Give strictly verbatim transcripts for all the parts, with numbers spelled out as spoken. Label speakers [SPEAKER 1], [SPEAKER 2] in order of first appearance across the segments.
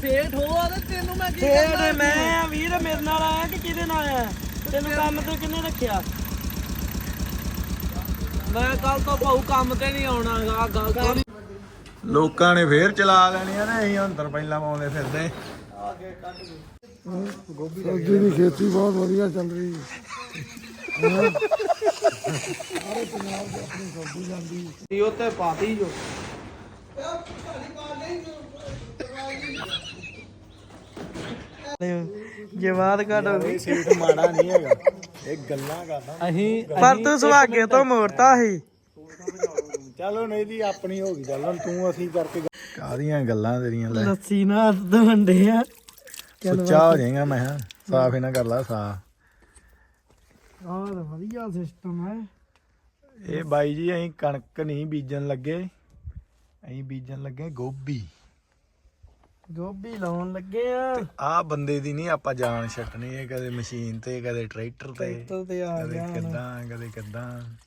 [SPEAKER 1] ਸੇਠ ਹੋ ਆ ਤੇ ਤੈਨੂੰ ਮੈਂ ਕੀ
[SPEAKER 2] ਸੇਠ ਮੈਂ ਵੀਰ ਮੇਰੇ ਨਾਲ ਆਇਆ ਕਿ ਕਿਹਦੇ ਨਾਲ ਆਇਆ? ਤੈਨੂੰ ਕੰਮ ਤੇ ਕਿੰਨੇ ਰੱਖਿਆ?
[SPEAKER 1] ਮੈਂ ਕੱਲ ਤੋਂ ਭਾਊ ਕੰਮ ਤੇ ਨਹੀਂ ਆਉਣਾ ਹੈਗਾ ਗੱਲ ਤੋਂ।
[SPEAKER 3] ਲੋਕਾਂ ਨੇ ਫੇਰ ਚਲਾ ਲੈਣੀਆਂ ਨੇ, ਅਸੀਂ ਅੰਦਰ ਪਹਿਲਾਂ ਪਾਉਂਦੇ ਫਿਰਦੇ।
[SPEAKER 4] ਗੋਭੀ ਦੀ ਖੇਤੀ ਬਹੁਤ ਵਧੀਆ ਚੱਲ ਰਹੀ ਹੈ। ਸਾਰੇ ਪੰਜਾਬ ਦੇ ਆਪਣੀ ਸਬਜ਼ੀ ਜਾਂਦੀ
[SPEAKER 1] ਉਹ ਤੇ ਪਾਤੀ ਜੋ
[SPEAKER 2] ਜਵਾਦ ਘਟ ਹੋ ਗਈ।
[SPEAKER 3] ਸੀਟ ਮਾੜਾ ਨਹੀਂ ਹੈਗਾ, ਇਹ ਗੱਲਾਂ ਕਰਦਾ।
[SPEAKER 1] ਅਸੀਂ
[SPEAKER 2] ਪਰ ਤੂੰ ਸੁਹਾਗੇ ਤੋਂ ਮੋੜਤਾ ਸੀ।
[SPEAKER 3] ਚਲੋ ਨਹੀਂ ਦੀ ਆਪਣੀ ਹੋ ਗਈ ਚੱਲ, ਤੂੰ ਅਸੀਂ ਕਰਕੇ ਕਾਹਦੀਆਂ ਗੱਲਾਂ ਤੇਰੀਆਂ। ਲੈ
[SPEAKER 2] ਲੱਸੀ ਨਾ ਹੱਥ ਧੋਂਦੇ ਆ।
[SPEAKER 3] ਸੁੱਚਾ ਹੋ ਜਾਏਗਾ ਮੈਂ ਕਿਹਾ, ਸਾਫ ਇਹਨਾਂ ਕਰ ਲਾ ਸਾਫ।
[SPEAKER 2] ਆਹ ਤਾਂ ਵਧੀਆ ਸਿਸਟਮ ਹੈ।
[SPEAKER 3] ਇਹ ਬਾਈ ਜੀ ਅਸੀਂ ਕਣਕ ਨਹੀਂ ਬੀਜਣ ਲੱਗੇ, ਅਸੀਂ ਬੀਜਣ ਲੱਗੇ ਗੋਭੀ।
[SPEAKER 2] ਗੋਭੀ ਲਾਉਣ ਲੱਗੇ ਆ।
[SPEAKER 3] ਆਹ ਬੰਦੇ ਦੀ ਨਹੀਂ ਆਪਾਂ ਜਾਨ ਛੱਡਣੀ, ਇਹ ਕਦੇ ਮਸ਼ੀਨ ਤੇ ਕਦੇ ਟਰੈਕਟਰ ਤੇ
[SPEAKER 2] ਟਰੈਕਟਰ ਤੇ ਆ
[SPEAKER 3] ਕਦੇ
[SPEAKER 2] ਗਿਆ ਹੁਣ।
[SPEAKER 3] ਕਿੱਦਾਂ ਕਦੇ ਕਿੱਦਾਂ।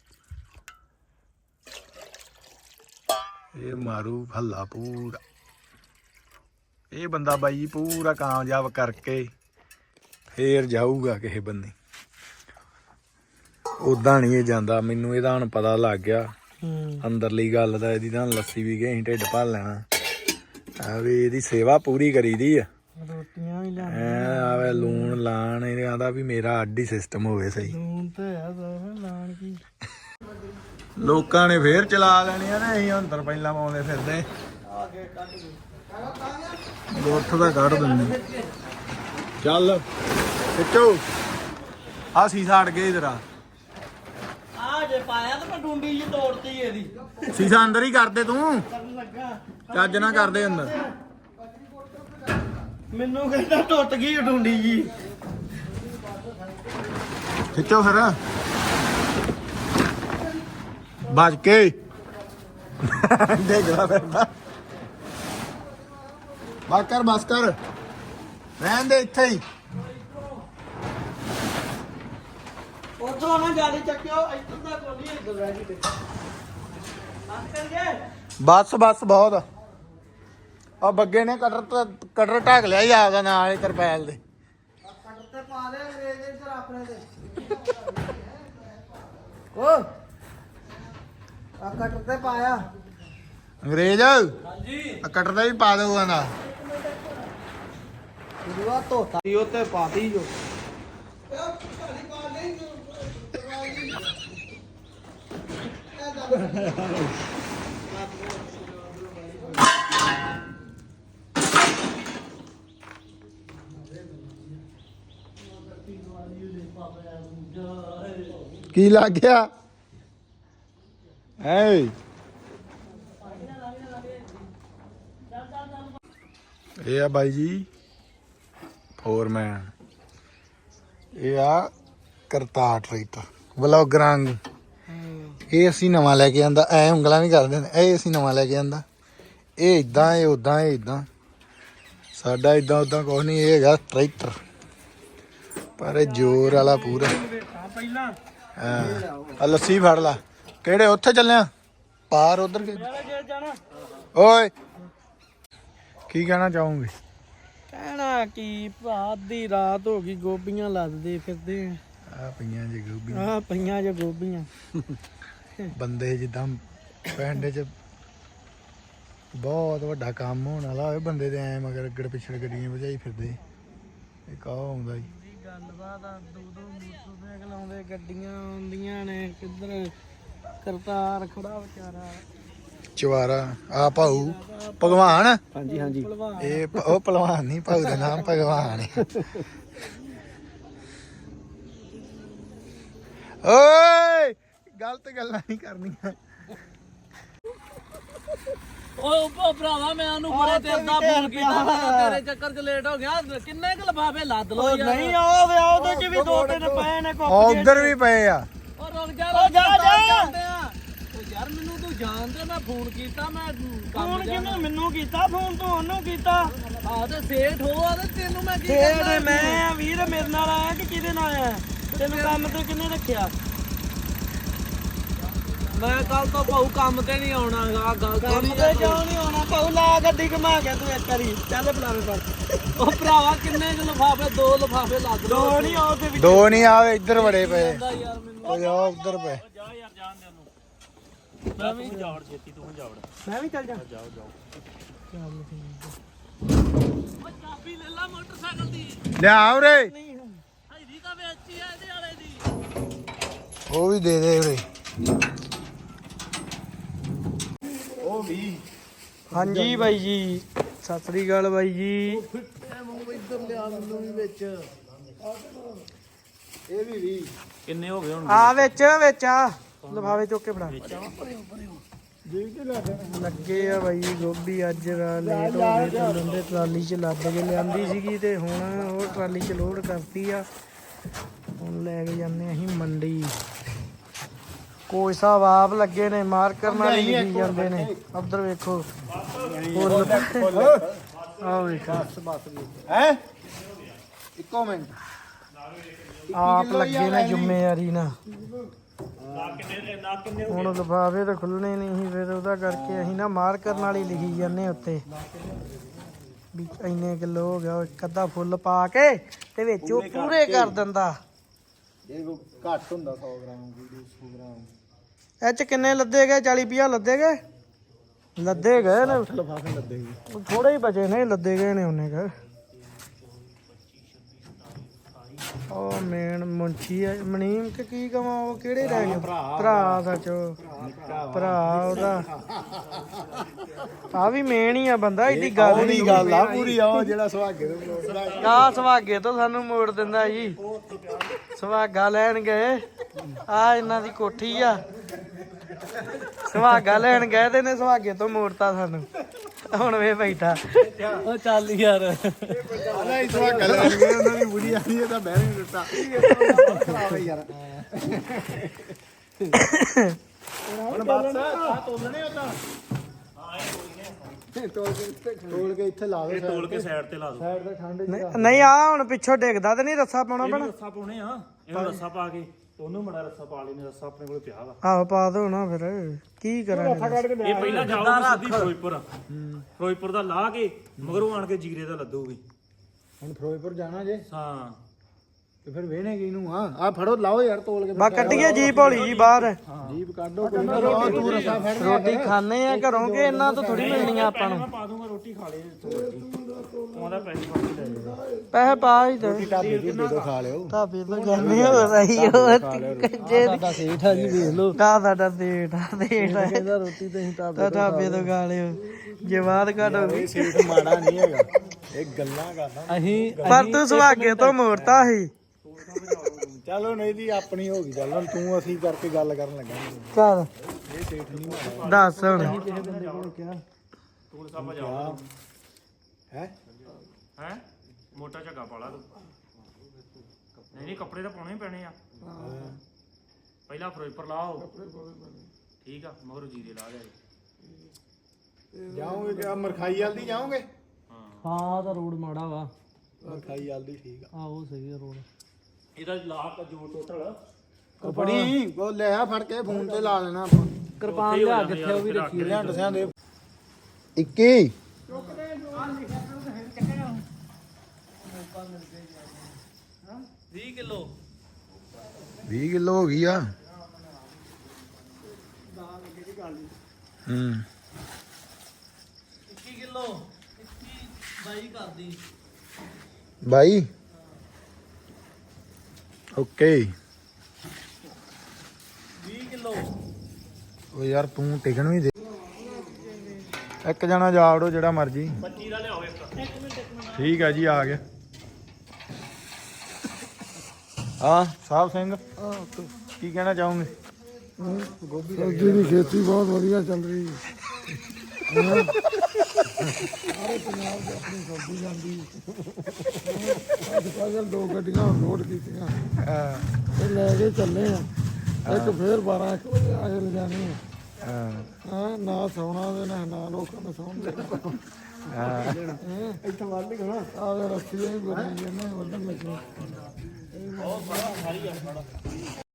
[SPEAKER 3] ਇਹ ਮਾਰੂ ਹੱਲਾ ਪੂਰਾ। ਇਹ ਬੰਦਾ ਬਾਈ ਜੀ ਪੂਰਾ ਕਾਮਯਾਬ ਕਰਕੇ ਫੇਰ ਜਾਊਗਾ ਕਿਸੇ ਬੰਦੇ। ਉਦਾਂ ਨਹੀਂ ਇਹ ਜਾਂਦਾ, ਮੈਨੂੰ ਇਹਦਾ ਹੁਣ ਪਤਾ ਲੱਗ ਗਿਆ ਅੰਦਰਲੀ ਗੱਲ ਦਾ। ਇਹਦੀ ਤਾਂ ਲੱਸੀ ਵੀ ਗਈ, ਅਸੀਂ ਢਿੱਡ ਭਰ ਲੈਣਾ। ਆ ਵੀ ਇਹਦੀ ਸੇਵਾ ਪੂਰੀ ਕਰੀਦੀ ਆ।
[SPEAKER 2] ਰੋਟੀਆਂ ਵੀ ਲਿਆ।
[SPEAKER 3] ਐ ਆਵੇ ਲੂਣ ਲਾਣ, ਇਹ ਆਂਦਾ ਵੀ ਮੇਰਾ ਅੱਡ ਹੀ ਸਿਸਟਮ ਹੋਵੇ ਸਹੀ।
[SPEAKER 2] ਲੂਣ ਤੇ ਆ ਸਾਰਾ ਲਾਣ ਕੀ।
[SPEAKER 3] ਲੋਕਾਂ ਨੇ ਫੇਰ ਚਲਾ ਲੈਣੀਆਂ ਨੇ, ਅਸੀਂ ਅੰਦਰ ਪਹਿਲਾਂ ਪਾਉਂਦੇ ਫਿਰਦੇ। ਗੁੱਠ ਦਾ ਕੱਢ ਦਿੰਦੇ। ਚੱਲ ਖਿੱਚੋ, ਆ ਸੀਸਾ ਅੜ ਗਿਆ ਜਰਾ।
[SPEAKER 2] ਆ ਜੇ ਪਾਇਆ ਤਾਂ ਮੈਂ ਡੂੰਡੀ ਜੀ ਤੋੜਤੀ ਇਹਦੀ।
[SPEAKER 3] ਸੀਸਾ ਅੰਦਰ ਹੀ ਕਰਦੇ ਤੂੰ,
[SPEAKER 2] ਕਰਨ ਲੱਗਾ
[SPEAKER 3] ਚੱਜ ਨਾ ਕਰਦੇ ਅੰਦਰ।
[SPEAKER 2] ਮੈਨੂੰ ਕਹਿੰਦਾ ਟੁੱਟ ਗਈ ਡੂੰਡੀ ਜੀ।
[SPEAKER 3] ਖਿੱਚੋ ਫਿਰ ਬਚ ਕੇ। ਦੇਖਦਾ ਫਿਰਦਾ। ਬਸ ਕਰ ਬਸ ਕਰ, ਰਹਿਣ ਦੇ ਇੱਥੇ ਹੀ।
[SPEAKER 2] ਉਧਰੋਂ ਨਾ ਜਾਲੀ ਚੱਕਿਓ, ਇੱਧਰ ਦਾ ਕੋਈ ਨਹੀਂ, ਇੱਧਰ ਰਹਿ ਗਈ। ਬਸ ਕਰ ਗਏ।
[SPEAKER 3] ਬਸ ਬਸ ਬਹੁਤ ਆ। ਬੱਗੇ ਨੇ ਕਟਰ ਕਟਰ ਢੱਕ ਲਿਆ ਹੀ ਆਪਦਾ ਨਾਲ ਹੀ ਤਰਪੈਲ ਦੇ।
[SPEAKER 2] ਕਟਰ ਤੇ ਪਾ ਦੇ ਅੰਗਰੇਜ਼ ਦੇ ਇੱਧਰ ਆਪਣੇ ਦੇ। ਓ ਆ ਕਟਰ ਤੇ ਪਾਇਆ।
[SPEAKER 3] ਅੰਗਰੇਜ਼
[SPEAKER 1] ਹਾਂਜੀ
[SPEAKER 3] ਆ ਕਟਰ ਦਾ ਵੀ ਪਾ ਦਊਗਾ ਨਾ।
[SPEAKER 2] ਦੂਆ ਧੋਤਾ
[SPEAKER 1] ਉਹ ਤੇ ਪਾਤੀ ਜੋ
[SPEAKER 3] ਕੀ ਲੱਗ ਗਿਆ ਐ? ਇਹ ਆ ਬਾਈ ਜੀ ਫੋਰਮੈਨ। ਇਹ ਆ ਕਰਤਾਰ ਟਰੈਕਟਰ ਵਲੌਗਰਾਂ ਨੂੰ। ਇਹ ਅਸੀਂ ਨਵਾਂ ਲੈ ਕੇ ਆਂਦਾ। ਐ ਉਂਗਲਾਂ ਵੀ ਕਰਦੇ ਨੇ। ਇਹ ਅਸੀਂ ਨਵਾਂ ਲੈ ਕੇ ਆਂਦਾ। ਇਹ ਇਦਾਂ, ਇਹ ਉਦਾਂ, ਇਹ ਇਦਾਂ। ਸਾਡਾ ਇਦਾਂ ਉਦਾਂ ਕੁਛ ਨਹੀਂ। ਇਹ ਹੈਗਾ ਟਰੈਕਟਰ, ਪਰ ਇਹ ਜ਼ੋਰ ਵਾਲਾ ਪੂਰਾ।
[SPEAKER 2] ਪਹਿਲਾਂ
[SPEAKER 3] ਆ ਲੱਸੀ ਫੜ ਲਾ। ਕਿਹੜੇ ਉੱਥੇ ਚੱਲਿਆ ਪਾਰ ਉਧਰ?
[SPEAKER 2] ਜਾਣਾ
[SPEAKER 3] ਓਏ ਕੀ ਕਹਿਣਾ ਚਾਹੋਗੇ?
[SPEAKER 2] ਕਹਿਣਾ ਕੀ ਭਰਾ, ਅੱਧੀ ਰਾਤ ਹੋ ਗਈ, ਗੋਭੀਆਂ ਲੱਦਦੇ ਫਿਰਦੇ
[SPEAKER 3] ਆ ਪਈਆਂ ਜੀ ਗੋਭੀ।
[SPEAKER 2] ਆ ਪਈਆਂ ਜੇ ਗੋਭੀਆਂ।
[SPEAKER 3] ਬੰਦੇ ਜਿੱਦਾਂ ਪਿੰਡ 'ਚ ਬਹੁਤ ਵੱਡਾ ਕੰਮ ਹੋਣ ਵਾਲਾ ਹੋਵੇ, ਬੰਦੇ ਦੇ ਐ ਮਗਰ ਅੱਗੜ ਪਿਛੜ ਗੱਡੀਆਂ ਭਜਾਈ ਫਿਰਦੇ। ਇਹ ਕਾਹ ਆਉਂਦਾ ਜੀ
[SPEAKER 2] ਗੱਲਬਾਤ ਆ। ਦੋ ਦੋ ਮੋਟਰਸਾਈਕਲ ਆਉਂਦੇ, ਗੱਡੀਆਂ ਆਉਂਦੀਆਂ ਨੇ। ਕਿੱਧਰ ਕਰਤਾਰ ਖੜਾ ਵਿਚਾਰਾ।
[SPEAKER 3] ਚਵਾਰਾ ਆ ਭਾਊ ਭਗਵਾਨ।
[SPEAKER 1] ਹਾਂਜੀ ਹਾਂਜੀ
[SPEAKER 3] ਇਹ ਪ- ਉਹ ਭਲਵਾਨ ਨਹੀਂ, ਭਾਊ ਦਾ ਨਾਮ ਭਗਵਾਨ ਹੈ। ਓਏ ਗਲਤ ਗੱਲਾਂ ਨਹੀਂ ਕਰਨੀਆਂ।
[SPEAKER 1] ਓਏ ਭਰਾਵਾ ਮੈਂ ਉਹਨੂੰ ਬੜੇ ਤੇਰ ਦਾ ਫੋਨ ਕੀਤਾ, ਮੈਂ ਤੇਰੇ ਚੱਕਰ 'ਚ ਲੇਟ ਹੋ ਗਿਆ। ਕਿੰਨੇ ਕੁ ਲਫਾਫੇ ਲੱਦ ਲੋ ਯਾਰ।
[SPEAKER 2] ਨਹੀਂ ਉਹ ਵੇ ਉਹਦੇ ਚ ਵੀ ਦੋ ਤਿੰਨ ਪਏ ਨੇ।
[SPEAKER 3] ਉਧਰ ਵੀ ਪਏ ਆ।
[SPEAKER 1] ਉਹ ਰੁਕ ਜਾ
[SPEAKER 2] ਓ ਜਾ ਜਾ।
[SPEAKER 1] ਓ ਯਾਰ ਮੈਨੂੰ ਤੂੰ ਜਾਣਦਾ, ਮੈਂ ਫੋਨ ਕੀਤਾ, ਮੈਂ ਕੰਮ
[SPEAKER 2] ਫੋਨ
[SPEAKER 1] ਜਾਣਾ।
[SPEAKER 2] ਕਿਹਨੂੰ? ਮੈਨੂੰ ਕੀਤਾ ਫੋਨ, ਤੂੰ ਉਹਨੂੰ ਕੀਤਾ।
[SPEAKER 1] ਆ ਤੇ ਸੇਠ ਹੋ ਆ ਤੇ ਤੈਨੂੰ ਮੈਂ ਕੀ
[SPEAKER 2] ਸੇਠ
[SPEAKER 1] ਕਰਨਾ?
[SPEAKER 2] ਮੈਂ ਵੀਰ ਮੇਰੇ ਨਾਲ ਆਇਆ ਕਿ ਕਿਹਦੇ ਨਾਲ ਆਇਆ? ਤੈਨੂੰ ਕੰਮ ਤੇ ਕਿੰਨੇ ਰੱਖਿਆ?
[SPEAKER 1] ਮੈਂ ਕੱਲ ਤੋਂ ਭਾਊ ਕੰਮ ਤੇ ਨਹੀਂ ਆਉਣਾ ਆ ਗੱਲ ਤੋਂ
[SPEAKER 2] ਕੰਮ
[SPEAKER 1] ਨਹੀਂ
[SPEAKER 2] ਤੇ ਕਿਉਂ ਨਹੀਂ ਆਉਣਾ ਭਾਉ ਲਾ ਗੱਡੀ ਘੁਮਾ ਕੇ ਤੂੰ ਇੱਕ ਵਾਰੀ ਚੱਲ ਬੁਲਾਵੇ ਪਰ
[SPEAKER 1] ਉਹ ਭਰਾਵਾ ਕਿੰਨੇ ਕੁ ਲਿਫਾਫੇ ਦੋ ਲਿਫਾਫੇ ਲੱਗ
[SPEAKER 2] ਦੋ ਨਹੀਂ ਆਉ ਤੇ
[SPEAKER 3] ਦੋ ਨਹੀਂ ਆਵੇ ਇੱਧਰ ਬੜੇ ਪਏ
[SPEAKER 1] ਜਾਂਦਾ ਯਾਰ ਮੈਨੂੰ
[SPEAKER 3] ਉਹ ਜਾ ਉੱਧਰ ਪਏ
[SPEAKER 1] ਜਾ ਯਾਰ ਜਾਣ ਦੇ ਉਹਨੂੰ ਮੈਂ ਵੀ ਜਾਵੜ ਛੇਤੀ ਤੂੰ ਜਾਵੜ
[SPEAKER 2] ਮੈਂ ਵੀ ਚੱਲ ਜਾ
[SPEAKER 1] ਜਾਓ ਜਾਓ
[SPEAKER 2] ਚੱਲ ਠੀਕ
[SPEAKER 1] ਉਹ ਚਾਬੀ ਲੈ ਲੈ ਮੋਟਰਸਾਈਕਲ ਦੀ
[SPEAKER 3] ਲਿਆ ਉਰੇ
[SPEAKER 1] ਹੈਦੀ ਤਾਂ ਵੇਚੀ ਆ ਇਹਦੇ ਵਾਲੇ ਦੀ
[SPEAKER 3] ਉਹ ਵੀ ਦੇ ਦੇ ਉਰੇ
[SPEAKER 2] ਹਾਂਜੀ ਬਾਈ ਜੀ ਸਤਿ ਸ੍ਰੀ ਅਕਾਲ ਬਾਈ ਜੀ
[SPEAKER 3] ਇੱਧਰ ਲਿਆ ਮੈਨੂੰ ਵੀ ਵਿੱਚ ਇਹ ਵੀ ਵੀ
[SPEAKER 1] ਕਿੰਨੇ ਹੋ ਗਏ ਹੁਣ
[SPEAKER 2] ਆ ਵਿੱਚ ਵਿੱਚ ਆ ਲਫਾਵੇ ਚੁੱਕ ਕੇ ਫੜਾ ਲੱਗੇ ਆ ਬਾਈ ਗੋਭੀ ਅੱਜ ਰਾ ਲੇਟ ਹੋ ਗਏ ਚੱਲਣ ਦੇ ਟਰਾਲੀ 'ਚ ਲੱਦ ਕੇ ਲਿਆਂਦੀ ਸੀਗੀ ਤੇ ਹੁਣ ਉਹ ਟਰਾਲੀ 'ਚ ਲੋਡ ਕਰਤੀ ਆ ਹੁਣ ਲੈ ਕੇ ਜਾਂਦੇ ਅਸੀਂ ਮੰਡੀ ਕੋਈ ਸਾਹਿਬ ਆਪ ਲੱਗੇ ਨੇ ਮਾਰਕਰ ਨਾਲ ਹੀ ਲਿਖੀ ਜਾਂਦੇ ਨੇ ਉਧਰ ਵੇਖੋ ਫੁੱਲ ਆਹ ਵੇਖੋ
[SPEAKER 3] ਹੈ ਇੱਕੋ ਮਿੰਟ
[SPEAKER 2] ਆਪ ਲੱਗੇ ਨੇ ਜ਼ਿੰਮੇਵਾਰੀ ਨਾਲ ਹੁਣ ਲਿਫਾਫੇ ਤਾਂ ਖੁੱਲਣੇ ਨਹੀਂ ਸੀ ਫਿਰ ਉਹਦਾ ਕਰਕੇ ਅਸੀਂ ਨਾ ਮਾਰਕਰ ਨਾਲ ਹੀ ਲਿਖੀ ਜਾਂਦੇ ਉੱਤੇ ਵੀ ਇੰਨੇ ਕਿਲੋ ਹੋ ਗਿਆ ਇੱਕ ਅੱਧਾ ਫੁੱਲ ਪਾ ਕੇ ਤੇ ਵਿੱਚ ਉਹ ਪੂਰੇ ਕਰ ਦਿੰਦਾ
[SPEAKER 3] ਇਹ ਘੱਟ ਹੁੰਦਾ ਸੌ ਗ੍ਰਾਮ ਦੋ ਸੌ ਗ੍ਰਾਮ
[SPEAKER 2] ਇਹ ਚ ਕਿੰਨੇ ਲੱਦੇ ਗਏ ਚਾਲੀ ਪੰਜਾਹ ਲੱਦੇ ਗਏ ਲੱਦੇ ਗਏ ਨੇ
[SPEAKER 3] ਲਫਾਫੇ ਲੱਦੇ ਸੀ
[SPEAKER 2] ਥੋੜੇ ਹੀ ਬਚੇ ਨੇ ਲੱਦੇ ਗਏ ਨੇ ਉਹਨੇ ਕਰ ਉਹ ਮੇਨ ਮੁੰਚੀ ਆ ਮਨੀਮ ਕਿ ਕੀ ਕਵਾਂ ਉਹ ਕਿਹੜੇ ਰਹਿ ਗਏ ਭਰਾ ਸੱਚ ਭਰਾ ਉਹਦਾ ਆ ਵੀ ਮੇਨ ਹੀ ਆ ਬੰਦਾ ਏਡੀ ਗੱਲ
[SPEAKER 3] ਨਹੀਂ ਗੱਲ ਆ ਪੂਰੀ ਆ ਜਿਹੜਾ ਸੁਹਾਗੇ ਦੇ ਮੋੜਦਾ
[SPEAKER 2] ਆ ਸੁਹਾਗੇ ਤੋਂ ਸਾਨੂੰ ਮੋੜ ਦਿੰਦਾ ਜੀ ਸੁਹਾਗਾ ਲੈਣ ਗਏ ਆ ਇਹਨਾਂ ਦੀ ਕੋਠੀ ਆ ਸੁਹਾਗਾ ਲੈਣ ਗਏ ਤੇ ਨੇ ਸੁਹਾਗੇ ਤੋਂ ਮੋੜਤਾ ਸਾਨੂੰ ਹੁਣ ਵੇ ਬੈਠਾ
[SPEAKER 1] ਉਹ ਚੱਲ ਯਾਰ
[SPEAKER 3] ਨਹੀਂ ਸੁਹਾਗਾ ਲੈ ਗਏ ਉਹਨਾਂ ਦੀ ਬੁੜੀ ਆਈ ਇਹ ਤਾਂ ਬਹਿ ਨਹੀਂ ਦਿੱਤਾ ਯਾਰ ਹੁਣ ਬਸ ਆ ਤੋਲਣੇ ਉਹ ਤਾਂ ਤੋਲ ਕੇ ਇੱਥੇ ਲਾ ਦੇ
[SPEAKER 1] ਤੋਲ ਕੇ ਸਾਈਡ ਤੇ ਲਾ ਦੋ
[SPEAKER 3] ਸਾਈਡ ਤੇ ਠੰਡ
[SPEAKER 2] ਨਹੀਂ- ਨਹੀਂ ਆ ਹੁਣ ਪਿੱਛੋਂ ਡਿੱਗਦਾ ਤੇ ਨਹੀਂ ਰੱਸਾ ਪਾਉਣਾ ਪੈਣਾ
[SPEAKER 1] ਰੱਸਾ ਪਾਉਣੇ ਆ ਇਹਨੂੰ ਰੱਸਾ ਪਾ ਕੇ ਉਹਨੂੰ ਬੜਾ ਰੱਸਾ ਪਾ ਲੈਨੇ ਰੱਸਾ ਆਪਣੇ ਕੋਲ ਪਿਆ ਵਾ
[SPEAKER 2] ਆਹੋ ਪਾ ਦੋ ਨਾ ਫਿਰ ਕੀ ਕਰਾਂਗੇ
[SPEAKER 1] ਇਹ ਪਹਿਲਾਂ ਜਾਊਗਾ ਸਿੱਧੀ ਫਿਰੋਜ਼ਪੁਰ ਫਿਰੋਜ਼ਪੁਰ ਦਾ ਲਾ ਕੇ ਮਗਰੋਂ ਆਣ ਕੇ ਜੀਰੇ ਦਾ ਲੱਦੂਗੀ
[SPEAKER 3] ਹੁਣ ਫਿਰੋਜ਼ਪੁਰ ਜਾਣਾ ਜੇ
[SPEAKER 1] ਹਾਂ
[SPEAKER 3] ਤੇ ਫਿਰ ਵੇਹਣੇ ਕੀ ਨੂੰ ਆ ਆ ਫੜੋ ਲਾਓ ਯਾਰ ਤੋਲ ਕੇ
[SPEAKER 2] ਬਾ ਕੱਢੀਏ ਜੀਪ ਹੌਲੀ ਜੀ ਬਾਹਰ
[SPEAKER 3] ਜੀਪ ਕੱਢੋ ਕੋਈ ਨਾ ਤੂੰ ਰਸਾ ਫੜ
[SPEAKER 2] ਰੋਟੀ ਖਾਣੇ ਆ ਘਰੋਂ ਕਿ ਇਹਨਾਂ ਤੋਂ ਥੋੜੀ ਮਿਲਣੀ ਆ ਆਪਾਂ ਨੂੰ
[SPEAKER 1] ਮੈਂ ਪਾ ਦੂੰਗਾ ਰੋਟੀ ਖਾ ਲੈ ਉਹਦਾ ਪੈਸੇ ਪਾ ਕੇ ਲੈ ਜਾਊਗਾ
[SPEAKER 2] ਪੈਸੇ ਪਾ ਹੀ ਦੇ
[SPEAKER 3] ਢਾਬੇ ਦੀ ਦੇ ਦੋ ਖਾ ਲਿਓ
[SPEAKER 2] ਢਾਬੇ ਤੋਂ ਜਾਂਦੇ ਹੋ ਰਹੀ ਹੋ ਕੱਜੇ
[SPEAKER 3] ਸਾਡਾ ਸੇਠ ਆ ਜੀ ਵੇਖ ਲਓ
[SPEAKER 2] ਦਾ ਸਾਡਾ ਦੇਠ ਆ ਦੇਠ ਆ
[SPEAKER 3] ਕਹਿੰਦਾ ਰੋਟੀ ਤੇ ਅਸੀਂ ਢਾਬੇ
[SPEAKER 2] ਤਾਂ ਢਾਬੇ ਤੋਂ ਖਾ ਲਿਓ ਜੇ ਬਾਤ ਘਟ ਹੋ ਗਈ
[SPEAKER 3] ਇਹ ਸੇਠ ਮਾੜਾ ਨਹੀਂ ਹੈਗਾ ਇਹ ਗੱਲਾਂ ਕਰਦਾ
[SPEAKER 1] ਅਸੀਂ
[SPEAKER 2] ਪਰ ਤੂੰ ਸੁਹਾਗੇ ਤੋਂ ਮੋੜਤਾ ਸੀ
[SPEAKER 3] ਚਲੋ ਨਹੀਂ ਦੀ ਆਪਣੀ ਹੋ ਗਈ ਚੱਲ ਹੁਣ ਤੂੰ ਅਸੀਂ ਕਰਕੇ ਗੱਲ ਕਰਨ ਲੱਗਾ
[SPEAKER 2] ਚੱਲ
[SPEAKER 3] ਇਹ ਸੇਠ ਨਹੀਂ ਮਾੜਾ
[SPEAKER 2] ਦੱਸ ਹੁਣ
[SPEAKER 3] ਕਿਸੇ ਬੰਦੇ ਕੋਲ ਕਿਹਾ
[SPEAKER 1] ਤੂੰ ਸਭ ਜਾਓ
[SPEAKER 3] ਹੈ
[SPEAKER 1] ਹੈ ਮੋਟਾ ਝੱਗਾ ਪਾਲਾ ਤੂੰ ਨਹੀਂ ਨਹੀਂ ਕੱਪੜੇ ਤਾਂ ਪਾਉਣੇ ਹੀ ਪੈਣੇ ਆ ਪਹਿਲਾਂ ਫਿਰੋਜ਼ਪੁਰ ਲਾਓ ਠੀਕ ਆ ਮਗਰੋਂ ਜੀਰੇ ਲਾ ਦੇ
[SPEAKER 3] ਜਾਓਗੇ ਕਿ ਮਰਖਾਈ ਵਾਲ ਦੀ ਜਾਓਗੇ
[SPEAKER 2] ਹਾਂ ਤਾਂ ਰੋਡ ਮਾੜਾ ਵਾ
[SPEAKER 3] ਮਰਖਾਈ ਵਾਲ ਦੀ ਠੀਕ ਆ
[SPEAKER 2] ਆਹੋ ਸਹੀ ਆ ਰੋਡ
[SPEAKER 1] ਇਹਦਾ ਲਾਭ ਜੋ ਟੋਟਲ
[SPEAKER 3] ਕਪੜੀ ਉਹ ਲੈ ਆ ਫੜ ਕੇ ਫੋਨ ਤੇ ਲਾ ਲੈਣਾ ਆਪਾਂ
[SPEAKER 2] ਕਿਰਪਾਨ ਲਿਆ ਕਿੱਥੇ ਉਹ ਵੀ ਰੱਖੀ
[SPEAKER 3] ਲਿਆਂ ਦਸਿਆਂ ਦੇ ਇੱਕੀ
[SPEAKER 1] ਵੀਹ ਕਿਲੋ
[SPEAKER 3] ਵੀਹ ਕਿਲੋ ਹੋ ਗਈ ਆ ਹੂੰ
[SPEAKER 1] ਇੱਕੀ ਕਿਲੋ ਇੱਕੀ ਬਾਈ ਕਰਦੀ
[SPEAKER 3] ਬਾਈ ਓਕੇ
[SPEAKER 1] ਵੀਹ ਕਿਲੋ
[SPEAKER 3] ਉਹ ਯਾਰ ਤੂੰ ਟਿਕਣ ਵੀ ਦੇ ਇੱਕ ਜਣਾ ਜਾ ਵੜੋ ਜਿਹੜਾ ਮਰਜੀ
[SPEAKER 1] ਪੱਚੀ ਦਾ ਲਿਆਓ ਇੱਕ
[SPEAKER 3] ਠੀਕ ਆ ਜੀ ਆ ਗਿਆ ਹਾਂ ਸਾਹਿਬ ਸਿੰਘ ਕੀ ਕਹਿਣਾ ਚਾਹੋਗੇ
[SPEAKER 4] ਸਬਜ਼ੀ ਦੀ ਖੇਤੀ ਬਹੁਤ ਵਧੀਆ ਚੱਲ ਰਹੀ ਹੈ ਹਾਂ। ਸਾਰੇ ਪੰਜਾਬ ਦੇ ਆਪਣੀ ਸਬਜ਼ੀ ਜਾਂਦੀ ਅੱਜ ਕੱਲ੍ਹ ਦੋ ਗੱਡੀਆਂ ਲੋਡ ਕੀਤੀਆਂ ਤੇ ਲੈ ਕੇ ਚੱਲੇ ਆ ਇੱਕ ਫੇਰ ਬਾਰਾਂ ਇੱਕ ਵਜੇ ਆ ਕੇ ਲਿਜਾਣੀ ਆ
[SPEAKER 3] ਹਾਂ
[SPEAKER 4] ਹਾਂ ਨਾ ਸੌਣਾ ਦੇ ਨਾ ਨਾ ਲੋਕਾਂ ਨੂੰ ਸੌਣ ਦੇਣਾ
[SPEAKER 3] ਹਾਂ
[SPEAKER 4] ਇੱਥੇ ਵੱਢ ਕੇ ਨਾ ਆਹ ਰੱਸੀ ਵੀ ਬਣੀ ਜਾਂਦੇ ਵੱਢਣ ਲੱਗੇ
[SPEAKER 1] ਬਹੁਤ ਸਾਰਾ ਸਾਰੀ ਆ